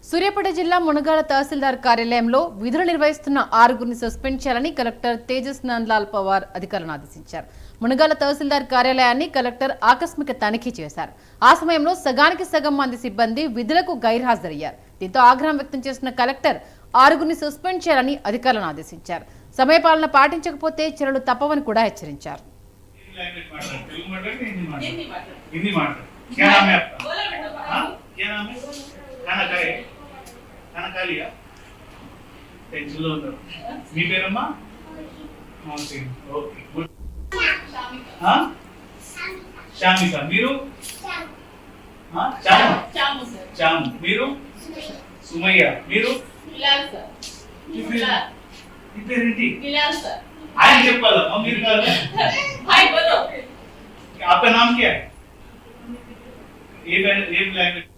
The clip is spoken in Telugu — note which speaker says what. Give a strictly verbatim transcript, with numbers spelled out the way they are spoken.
Speaker 1: సూర్యాపేట జిల్లా మునగాల తహసీల్దార్ కార్యాలయంలో విధులు నిర్వహిస్తున్న ఆరుగురిని సస్పెండ్ చేయాలని కలెక్టర్ తేజస్ నందలాల్ పవార్ అధికారులను ఆదేశించారు. మునగాల తహసీల్దార్ కార్యాలయాన్ని కలెక్టర్ ఆకస్మిక తనిఖీ చేశారు. ఆ సమయంలో సగానికి సగం మంది సిబ్బంది విధులకు గైర్హాజరయ్యారు. దీంతో ఆగ్రహం వ్యక్తం చేసిన కలెక్టర్ ఆరుగురిని సస్పెండ్ చేయాలని అధికారులను ఆదేశించారు. సమయపాలన పాటించకపోతే చర్యలు తప్పవని కూడా హెచ్చరించారు.
Speaker 2: खाना खाए खाना खा लिया टेंशन लो उधर मी पेरम्मा मौसी ओके गुड हां शामिका मीरू हां चामू
Speaker 3: चामू सर
Speaker 2: चामू मीरू सुमैया मीरू
Speaker 3: बिलाल सर बिलाल
Speaker 2: इपेरेंटी
Speaker 3: बिलाल सर
Speaker 2: ఆయన చెప్పాలా మీరు కాదు
Speaker 3: भाई बोलो
Speaker 2: आपका नाम क्या है ये ये लैंग्वेज